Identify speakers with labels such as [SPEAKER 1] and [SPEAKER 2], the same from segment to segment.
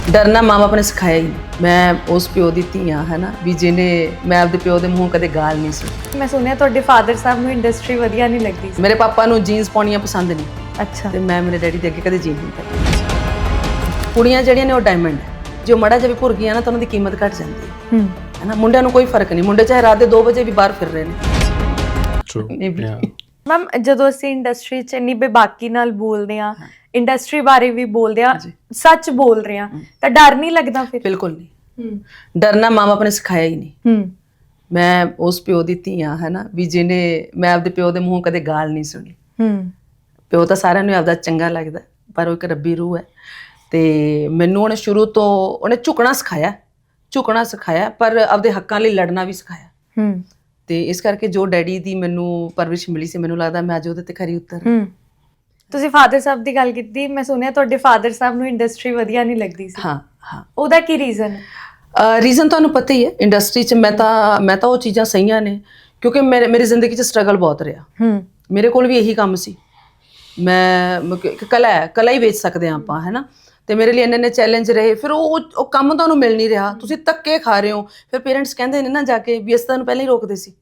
[SPEAKER 1] ਡਰਨਾ ਮਾਂ ਬਾਪ ਨੇ ਸਿਖਾਇਆ ਹੀ ਨਹੀਂ। ਮੈਂ ਉਸ ਪਿਓ ਦੀ ਧੀ ਹਾਂ, ਹੈ ਨਾ, ਵੀ ਜਿਹਨੇ ਮੈਂ ਆਪਦੇ ਪਿਓ ਦੇ ਮੂੰਹੋਂ ਕਦੇ ਗਾਲ ਨਹੀਂ ਸੁਣੀ।
[SPEAKER 2] ਮੈਂ ਸੁਣਿਆ ਤੁਹਾਡੇ ਫਾਦਰ ਸਾਹਿਬ ਨੂੰ ਇੰਡਸਟਰੀ ਵਧੀਆ ਨਹੀਂ ਲੱਗਦੀ ਸੀ।
[SPEAKER 1] ਮੇਰੇ ਪਾਪਾ ਨੂੰ ਜੀਨਸ ਪਾਉਣੀਆਂ ਪਸੰਦ ਨਹੀਂ,
[SPEAKER 2] ਅੱਛਾ।
[SPEAKER 1] ਤੇ ਮੈਂ ਮੇਰੇ ਡੈਡੀ ਦੇ ਅੱਗੇ ਕਦੇ ਜੀਨ ਨਹੀਂ ਪਾਈ। ਕੁੜੀਆਂ ਜਿਹੜੀਆਂ ਨੇ ਉਹ ਡਾਇਮੰਡ ਹੈ, ਜੋ ਮੜਾ ਜਿਹਾ ਵੀ ਭੁਰ ਗਈਆਂ ਨਾ ਤਾਂ ਉਹਨਾਂ ਦੀ ਕੀਮਤ ਘਟ ਜਾਂਦੀ ਹੈ ਨਾ। ਮੁੰਡਿਆਂ ਨੂੰ ਕੋਈ ਫਰਕ ਨਹੀਂ, ਮੁੰਡੇ ਚਾਹੇ ਰਾਤ ਦੇ 2 ਵਜੇ ਵੀ ਬਾਹਰ ਫਿਰ ਰਹੇ ਨੇ।
[SPEAKER 2] ਮੈਮ ਜਦੋਂ ਅਸੀਂ ਇੰਡਸਟਰੀ 'ਚ ਇੰਨੀ ਬੇਬਾਕੀ ਨਾਲ ਬੋਲਦੇ ਆ, ਇੰਡਸਟਰੀ ਬਾਰੇ ਵੀ ਬੋਲਦੇ ਆ, ਸੱਚ ਬੋਲ ਰਹੇ ਆ, ਤਾਂ ਡਰ ਨਹੀਂ ਲੱਗਦਾ ਫਿਰ?
[SPEAKER 1] ਬਿਲਕੁਲ ਨਹੀਂ, ਡਰਨਾ ਮਾਂ ਬਾਪ ਨੇ ਸਿਖਾਇਆ ਹੀ ਨਹੀਂ। ਮੈਂ ਉਸ ਪਿਓ ਦੀ ਧੀ ਹਾਂ, ਹੈ ਨਾ, ਵੀ ਜਿਹਨੇ ਮੈਂ ਆਪਦੇ ਪਿਓ ਦੇ ਮੂੰਹੋਂ ਕਦੇ ਗਾਲ ਨਹੀਂ ਸੁਣੀ। ਪਿਓ ਤਾਂ ਸਾਰਿਆਂ ਨੂੰ ਆਪਦਾ ਚੰਗਾ ਲੱਗਦਾ, ਪਰ ਉਹ ਇੱਕ ਰੱਬੀ ਰੂਹ ਹੈ। ਤੇ ਮੈਨੂੰ ਉਹਨੇ ਸ਼ੁਰੂ ਤੋਂ ਉਹਨੇ ਝੁਕਣਾ ਸਿਖਾਇਆ, ਪਰ ਆਪਦੇ ਹੱਕਾਂ ਲਈ ਲੜਨਾ ਵੀ ਸਿਖਾਇਆ। ਤੇ ਇਸ ਕਰਕੇ ਜੋ ਡੈਡੀ ਦੀ ਮੈਨੂੰ ਪਰਵਰਿਸ਼ ਮਿਲੀ ਸੀ, ਮੈਨੂੰ ਲੱਗਦਾ ਮੈਂ ਅੱਜ ਉਹਦੇ ਤੇ ਖਰੀ ਉਤਰ।
[SPEAKER 2] ਤੁਸੀਂ ਫਾਦਰ ਸਾਹਿਬ ਦੀ ਗੱਲ ਕੀਤੀ, ਮੈਂ ਸੁਣਿਆ ਤੁਹਾਡੇ ਫਾਦਰ ਸਾਹਿਬ ਨੂੰ ਇੰਡਸਟਰੀ ਵਧੀਆ ਨਹੀਂ ਲੱਗਦੀ ਸੀ।
[SPEAKER 1] ਹਾਂ,
[SPEAKER 2] ਉਹਦਾ ਕੀ ਰੀਜ਼ਨ ਹੈ?
[SPEAKER 1] ਰੀਜ਼ਨ ਤੁਹਾਨੂੰ ਪਤਾ ਹੀ ਹੈ, ਇੰਡਸਟਰੀ 'ਚ ਮੈਂ ਤਾਂ ਉਹ ਚੀਜ਼ਾਂ ਸਹੀਆਂ ਨੇ ਕਿਉਂਕਿ ਮੇਰੀ ਜ਼ਿੰਦਗੀ 'ਚ ਸਟਰਗਲ ਬਹੁਤ ਰਿਹਾ। ਮੇਰੇ ਕੋਲ ਵੀ ਇਹੀ ਕੰਮ ਸੀ। ਮੈਂ ਇੱਕ ਕਲਾ ਹੀ ਵੇਚ ਸਕਦੇ ਹਾਂ ਆਪਾਂ, ਹੈ ਨਾ। ਤੇ ਮੇਰੇ ਲਈ ਇੰਨੇ ਚੈਲੰਜ ਰਹੇ, ਫਿਰ ਉਹ ਕੰਮ ਤੁਹਾਨੂੰ ਮਿਲ ਨਹੀਂ ਰਿਹਾ, ਤੁਸੀਂ ਧੱਕੇ ਖਾ ਰਹੇ ਹੋ। ਫਿਰ ਪੇਰੈਂਟਸ ਕਹਿੰਦੇ ਨੇ ਨਾ ਜਾ ਕੇ ਵੀ ਅਸੀਂ ਤੁਹਾਨੂੰ ਪਹਿਲਾਂ ਹੀ ਰੋਕਦੇ ਸੀ।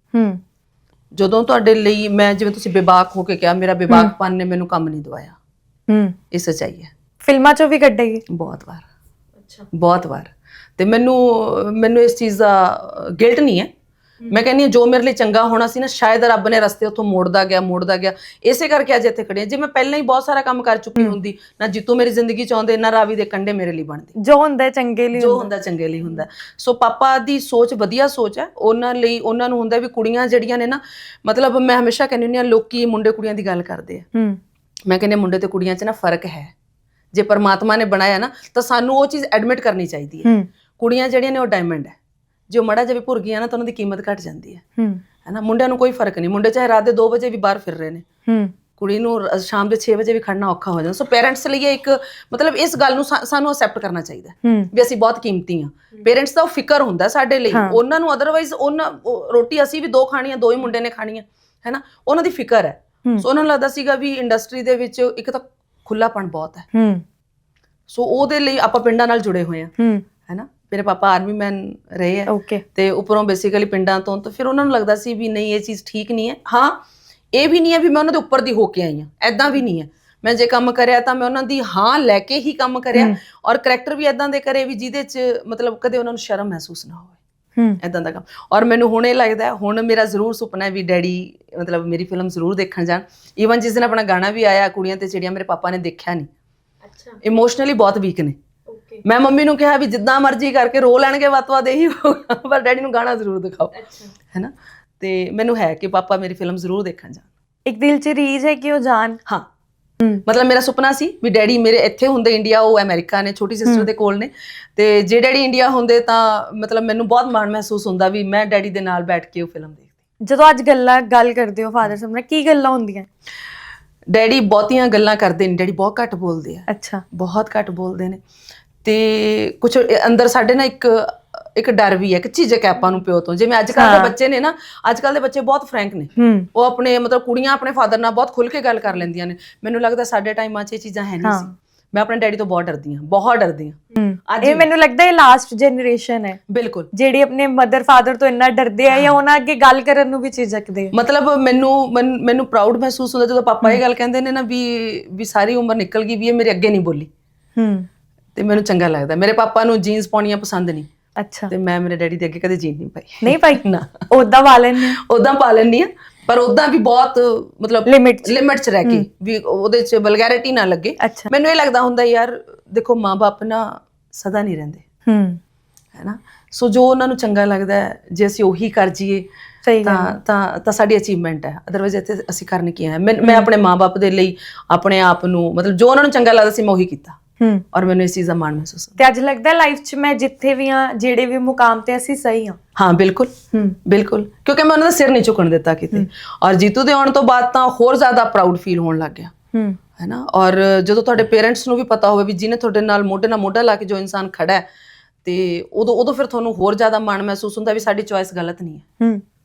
[SPEAKER 1] ਜਦੋਂ ਤੁਹਾਡੇ ਲਈ ਮੈਂ, ਜਿਵੇਂ ਤੁਸੀਂ ਬੇਬਾਕ ਹੋ ਕੇ ਕਿਹਾ, ਮੇਰਾ ਬੇਬਾਕਪਨ ਨੇ ਮੈਨੂੰ ਕੰਮ ਨਹੀਂ ਦਵਾਇਆ। ਇਹ ਸੱਚਾਈ ਹੈ।
[SPEAKER 2] ਫਿਲਮਾਂ 'ਚੋਂ ਵੀ ਕੱਢੇਗੀ
[SPEAKER 1] ਬਹੁਤ ਵਾਰ। ਅੱਛਾ, ਬਹੁਤ ਵਾਰ। ਤੇ ਮੈਨੂੰ ਇਸ ਚੀਜ਼ ਦਾ ਗਿਲਟ ਨਹੀਂ ਹੈ। ਮੈਂ ਕਹਿੰਦੀ ਹਾਂ ਜੋ ਮੇਰੇ ਲਈ ਚੰਗਾ ਹੋਣਾ ਸੀ ਨਾ, ਸ਼ਾਇਦ ਰੱਬ ਨੇ ਰਸਤੇ ਉੱਥੋਂ ਮੋੜਦਾ ਗਿਆ। ਇਸੇ ਕਰਕੇ ਅੱਜ ਇੱਥੇ ਖੜੇ ਹਾਂ। ਜੇ ਮੈਂ ਪਹਿਲਾਂ ਹੀ ਬਹੁਤ ਸਾਰਾ ਕੰਮ ਕਰ ਚੁੱਕੀ ਹੁੰਦੀ, ਨਾ ਜੀਤੂ ਮੇਰੀ ਜ਼ਿੰਦਗੀ 'ਚ ਆਉਂਦੇ, ਨਾ ਰਾਵੀ ਦੇ ਕੰਢੇ ਮੇਰੇ ਲਈ ਬਣਦੇ।
[SPEAKER 2] ਜੋ ਹੁੰਦਾ ਚੰਗੇ ਲਈ
[SPEAKER 1] ਹੁੰਦਾ। ਸੋ ਪਾਪਾ ਦੀ ਸੋਚ ਵਧੀਆ ਸੋਚ ਹੈ। ਉਹਨਾਂ ਨੂੰ ਹੁੰਦਾ ਵੀ ਕੁੜੀਆਂ ਜਿਹੜੀਆਂ ਨੇ ਨਾ, ਮਤਲਬ ਮੈਂ ਹਮੇਸ਼ਾ ਕਹਿੰਦੀ ਹੁੰਦੀ ਹਾਂ, ਲੋਕੀ ਮੁੰਡੇ ਕੁੜੀਆਂ ਦੀ ਗੱਲ ਕਰਦੇ ਆ। ਮੈਂ ਕਹਿੰਦੀ ਮੁੰਡੇ ਤੇ ਕੁੜੀਆਂ 'ਚ ਨਾ ਫਰਕ ਹੈ। ਜੇ ਪਰਮਾਤਮਾ ਨੇ ਬਣਾਇਆ ਨਾ, ਤਾਂ ਸਾਨੂੰ ਉਹ ਚੀਜ਼ ਐਡਮਿਟ ਕਰਨੀ ਚਾਹੀਦੀ ਹੈ। ਕੁੜੀਆਂ ਜਿਹੜੀਆਂ ਨੇ ਉਹ ਡਾਇਮੰਡ ਹੈ, ਜੋ ਮੜਾ ਜਿਹਾ ਵੀ ਭੁਰ ਗਈਆਂ ਨਾ ਤਾਂ ਉਹਨਾਂ ਦੀ ਕੀਮਤ ਘਟ ਜਾਂਦੀ ਹੈ ਨਾ। ਮੁੰਡਿਆਂ ਨੂੰ ਕੋਈ ਫਰਕ ਨਹੀਂ, ਮੁੰਡੇ ਚਾਹੇ ਰਾਤ ਦੇ 2 ਵਜੇ ਵੀ ਬਾਹਰ ਫਿਰ ਰਹੇ ਨੇ। ਕੁੜੀ ਨੂੰ ਸ਼ਾਮ ਦੇ 6 ਵਜੇ ਵੀ ਖੜਨਾ ਔਖਾ ਹੋ ਜਾਂਦਾ। ਸੋ ਪੇਰੈਂਟਸ ਲਈ ਇੱਕ ਮਤਲਬ ਇਸ ਗੱਲ ਨੂੰ ਸਾਨੂੰ ਅਸੈਪਟ ਕਰਨਾ ਚਾਹੀਦਾ ਵੀ ਅਸੀਂ ਬਹੁਤ ਕੀਮਤੀ ਹਾਂ। ਪੇਰੈਂਟਸ ਦਾ ਉਹ ਫਿਕਰ ਹੁੰਦਾ ਸਾਡੇ ਲਈ, ਉਹਨਾਂ ਨੂੰ ਅਦਰਵਾਈਜ਼ ਰੋਟੀ ਅਸੀਂ ਵੀ 2 ਖਾਣੀਆਂ, 2 ਹੀ ਮੁੰਡੇ ਨੇ ਖਾਣੀਆਂ, ਹੈ ਨਾ। ਉਹਨਾਂ ਦੀ ਫਿਕਰ ਹੈ। ਸੋ ਉਹਨਾਂ ਨੂੰ ਲੱਗਦਾ ਸੀਗਾ ਵੀ ਇੰਡਸਟਰੀ ਦੇ ਵਿੱਚ ਇੱਕ ਤਾਂ ਖੁੱਲਾਪਣ ਬਹੁਤ ਹੈ। ਸੋ ਉਹਦੇ ਲਈ ਆਪਾਂ ਪਿੰਡਾਂ ਨਾਲ ਜੁੜੇ ਹੋਏ ਹਾਂ, ਹੈ ਨਾ। ਮੇਰੇ ਪਾਪਾ ਆਰਮੀ ਮੈਨ ਰਹੇ ਹੈ ਤੇ ਉੱਪਰੋਂ ਬੇਸਿਕਲੀ ਪਿੰਡਾਂ ਤੋਂ, ਤਾਂ ਫਿਰ ਉਹਨਾਂ ਨੂੰ ਲੱਗਦਾ ਸੀ ਵੀ ਨਹੀਂ ਇਹ ਚੀਜ਼ ਠੀਕ ਨਹੀਂ ਹੈ। ਹਾਂ, ਇਹ ਵੀ ਨਹੀਂ ਹੈ ਵੀ ਮੈਂ ਉਹਨਾਂ ਦੇ ਉੱਪਰ ਦੀ ਹੋ ਕੇ ਆਈ ਹਾਂ, ਐਦਾਂ ਵੀ ਨਹੀਂ ਹੈ। ਮੈਂ ਜੇ ਕੰਮ ਕਰਿਆ ਤਾਂ ਮੈਂ ਉਹਨਾਂ ਦੀ ਹਾਂ ਲੈ ਕੇ ਹੀ ਕੰਮ ਕਰਿਆ, ਔਰ ਕਰੈਕਟਰ ਵੀ ਐਦਾਂ ਦੇ ਕਰੇ ਵੀ ਜਿਹਦੇ 'ਚ ਮਤਲਬ ਕਦੇ ਉਹਨਾਂ ਨੂੰ ਸ਼ਰਮ ਮਹਿਸੂਸ ਨਾ ਹੋਵੇ, ਐਦਾਂ ਦਾ ਕੰਮ। ਔਰ ਮੈਨੂੰ ਹੁਣ ਇਹ ਲੱਗਦਾ, ਹੁਣ ਮੇਰਾ ਜ਼ਰੂਰ ਸੁਪਨਾ ਹੈ ਵੀ ਡੈਡੀ ਮਤਲਬ ਮੇਰੀ ਫਿਲਮ ਜ਼ਰੂਰ ਦੇਖਣ ਜਾਣ। ਈਵਨ ਜਿਸ ਦਿਨ ਆਪਣਾ ਗਾਣਾ ਵੀ ਆਇਆ ਕੁੜੀਆਂ ਤੇ ਚਿੜੀਆਂ, ਮੇਰੇ ਪਾਪਾ ਨੇ ਦੇਖਿਆ ਨਹੀਂ। ਇਮੋਸ਼ਨਲੀ ਬਹੁਤ ਵੀਕ ਨੇ। ਮੈਂ ਮੰਮੀ ਨੂੰ ਕਿਹਾ ਵੀ ਜਿੱਦਾਂ ਮਰਜ਼ੀ ਕਰਕੇ ਰੋ ਲੈਣਗੇ, ਵੱਧ ਇਹੀ ਹੋਊਗਾ, ਪਰ ਡੈਡੀ ਨੂੰ ਗਾਣਾ ਜ਼ਰੂਰ ਦਿਖਾਓ, ਹੈ ਨਾ। ਤੇ ਮੈਨੂੰ ਹੈ ਕਿ ਪਾਪਾ ਮੇਰੀ ਫਿਲਮ ਜ਼ਰੂਰ ਦੇਖਣ ਜਾਣ।
[SPEAKER 2] ਇੱਕ ਦਿਲ 'ਚ ਰੀਝ ਹੈ ਕਿ ਉਹ ਜਾਣ।
[SPEAKER 1] ਹਾਂ, ਮਤਲਬ ਮੇਰਾ ਸੁਪਨਾ ਸੀ ਵੀ ਡੈਡੀ ਮੇਰੇ ਇੱਥੇ ਹੁੰਦੇ ਇੰਡੀਆ, ਉਹ ਅਮਰੀਕਾ ਨੇ, ਛੋਟੀ ਸਿਸਟਰ ਦੇ ਕੋਲ ਨੇ। ਤੇ ਜੇ ਡੈਡੀ ਇੰਡੀਆ ਹੁੰਦੇ ਤਾਂ ਮਤਲਬ ਮੈਨੂੰ ਬਹੁਤ ਮਾਣ ਮਹਿਸੂਸ ਹੁੰਦਾ ਵੀ ਮੈਂ ਡੈਡੀ ਦੇ ਨਾਲ ਬੈਠ ਕੇ ਉਹ ਫਿਲਮ ਦੇਖਦੀ।
[SPEAKER 2] ਜਦੋਂ ਅੱਜ ਗੱਲ ਕਰਦੇ ਹੋ ਫਾਦਰ ਸਾਹਿਬ ਨਾਲ, ਕੀ ਗੱਲਾਂ ਹੁੰਦੀਆਂ?
[SPEAKER 1] ਡੈਡੀ ਬਹੁਤੀਆਂ ਗੱਲਾਂ ਕਰਦੇ ਨੇ, ਡੈਡੀ ਬਹੁਤ ਘੱਟ ਬੋਲਦੇ ਆ।
[SPEAKER 2] ਅੱਛਾ। ਬਹੁਤ
[SPEAKER 1] ਘੱਟ ਬੋਲਦੇ ਨੇ। ਤੇ ਕੁਛ ਅੰਦਰ ਸਾਡੇ ਨਾ ਇੱਕ ਡਰ ਵੀ ਹੈ, ਇੱਕ ਝਿਜਕ ਹੈ ਆਪਾਂ ਨੂੰ ਪਿਓ ਤੋਂ। ਜਿਵੇਂ ਅੱਜ ਕੱਲ੍ਹ ਦੇ ਬੱਚੇ ਨੇ ਨਾ, ਅੱਜ ਕੱਲ੍ਹ ਦੇ ਬੱਚੇ ਬਹੁਤ ਫਰੈਂਕ ਨੇ। ਉਹ ਆਪਣੇ ਮਤਲਬ ਕੁੜੀਆਂ ਆਪਣੇ ਫਾਦਰ ਨਾਲ ਬਹੁਤ ਖੁੱਲ੍ਹ ਕੇ ਗੱਲ ਕਰ ਲੈਂਦੀਆਂ ਨੇ। ਮੈਨੂੰ ਲੱਗਦਾ ਸਾਡੇ ਟਾਈਮਾਂ 'ਚ ਇਹ ਚੀਜ਼ਾਂ ਹੈ ਨਹੀਂ ਸੀ। ਮੈਂ ਆਪਣੇ ਡੈਡੀ ਤੋਂ ਬਹੁਤ ਡਰਦੀ ਹਾਂ।
[SPEAKER 2] ਇਹ ਮੈਨੂੰ ਲੱਗਦਾ ਇਹ ਲਾਸਟ ਜਨਰੇਸ਼ਨ ਹੈ
[SPEAKER 1] ਬਿਲਕੁਲ, ਜਿਹੜੀ
[SPEAKER 2] ਆਪਣੇ ਮਦਰ ਫਾਦਰ ਤੋਂ ਇੰਨਾ ਡਰਦੇ ਆ ਜਾਂ ਉਹਨਾਂ ਅੱਗੇ ਗੱਲ ਕਰਨ ਨੂੰ ਵੀ ਝਿਜਕਦੇ।
[SPEAKER 1] ਮਤਲਬ ਮੈਨੂੰ ਪ੍ਰਾਊਡ ਮਹਿਸੂਸ ਹੁੰਦਾ ਜਦੋਂ ਪਾਪਾ ਇਹ ਗੱਲ ਕਹਿੰਦੇ ਨੇ ਨਾ ਵੀ ਸਾਰੀ ਉਮਰ ਨਿਕਲ ਗਈ ਵੀ ਇਹ ਮੇਰੇ ਅੱਗੇ ਨਹੀਂ ਬੋਲੀ। ਤੇ ਮੈਨੂੰ ਚੰਗਾ ਲੱਗਦਾ। ਮੇਰੇ ਪਾਪਾ ਨੂੰ ਜੀਨਸ ਪਾਉਣੀਆਂ ਪਸੰਦ ਨਹੀਂ। ਅੱਛਾ। ਤੇ ਮੈਂ ਮੇਰੇ ਡੈਡੀ ਦੇ ਅੱਗੇ ਕਦੇ ਜੀਨ ਨਹੀਂ ਪਾਈ ਨਾ।
[SPEAKER 2] ਉਦਾਂ ਪਾ ਲੈਂਦੀ
[SPEAKER 1] ਆ, ਪਰ ਉਦਾਂ ਵੀ ਬਹੁਤ ਮਤਲਬ ਲਿਮਿਟ 'ਚ ਰਹਿ ਕੇ, ਵੀ ਉਹਦੇ 'ਚ ਵਲਗੈਰਿਟੀ ਨਾ ਲੱਗੇ। ਮੈਨੂੰ ਇਹ ਲੱਗਦਾ ਹੁੰਦਾ ਯਾਰ ਦੇਖੋ, ਮਾਂ ਬਾਪ ਨਾ ਸਦਾ ਨਹੀਂ ਰਹਿੰਦੇ, ਹੈ ਨਾ। ਸੋ ਜੋ ਉਹਨਾਂ ਨੂੰ ਚੰਗਾ ਲੱਗਦਾ ਹੈ, ਜੇ ਅਸੀਂ ਉਹੀ ਕਰ ਜੀਏ ਤਾਂ ਸਾਡੀ ਅਚੀਵਮੈਂਟ ਹੈ। ਅਦਰਵਾਈਜ਼ ਇੱਥੇ ਅਸੀਂ ਕਰਨ ਕੀ ਆਏ? ਮੈਂ ਆਪਣੇ ਮਾਂ ਬਾਪ ਦੇ ਲਈ ਆਪਣੇ ਆਪ ਨੂੰ ਮਤਲਬ ਜੋ ਉਹਨਾਂ ਨੂੰ ਚੰਗਾ ਲੱਗਦਾ ਸੀ ਮੈਂ ਉਹੀ ਕੀਤਾ, ਔਰ ਮੈਨੂੰ ਇਸ ਚੀਜ਼ ਦਾ ਮਾਣ ਮਹਿਸੂਸ ਹੁੰਦਾ।
[SPEAKER 2] ਤੇ ਅੱਜ ਲੱਗਦਾ ਲਾਈਫ 'ਚ ਮੈਂ ਜਿੱਥੇ ਵੀ ਹਾਂ, ਜਿਹੜੇ ਵੀ ਮੁਕਾਮ ਤੇ ਅਸੀਂ ਸਹੀ ਹਾਂ।
[SPEAKER 1] ਹਾਂ, ਬਿਲਕੁਲ ਕਿਉਂਕਿ ਮੈਂ ਉਹਨਾਂ ਦਾ ਸਿਰ ਨਹੀਂ ਝੁਕਣ ਦਿੱਤਾ ਕਿਤੇ। ਔਰ ਜੀਤੂ ਦੇ ਆਉਣ ਤੋਂ ਬਾਅਦ ਤਾਂ ਹੋਰ ਜ਼ਿਆਦਾ ਪ੍ਰਾਊਡ ਫੀਲ ਹੋਣ ਲੱਗ ਗਿਆ, ਹੈ ਨਾ। ਔਰ ਜਦੋਂ ਤੁਹਾਡੇ ਪੇਰੈਂਟਸ ਨੂੰ ਵੀ ਪਤਾ ਹੋਵੇ ਵੀ ਜਿਹਨੇ ਤੁਹਾਡੇ ਨਾਲ ਮੋਢੇ ਨਾਲ ਮੋਢਾ ਲਾ ਕੇ ਜੋ ਇਨਸਾਨ ਖੜਾ ਹੈ, ਤੇ ਉਦੋਂ ਫਿਰ ਤੁਹਾਨੂੰ ਹੋਰ ਜ਼ਿਆਦਾ ਮਾਣ ਮਹਿਸੂਸ ਹੁੰਦਾ ਵੀ ਸਾਡੀ ਚੋਇਸ ਗਲਤ ਨਹੀਂ ਹੈ।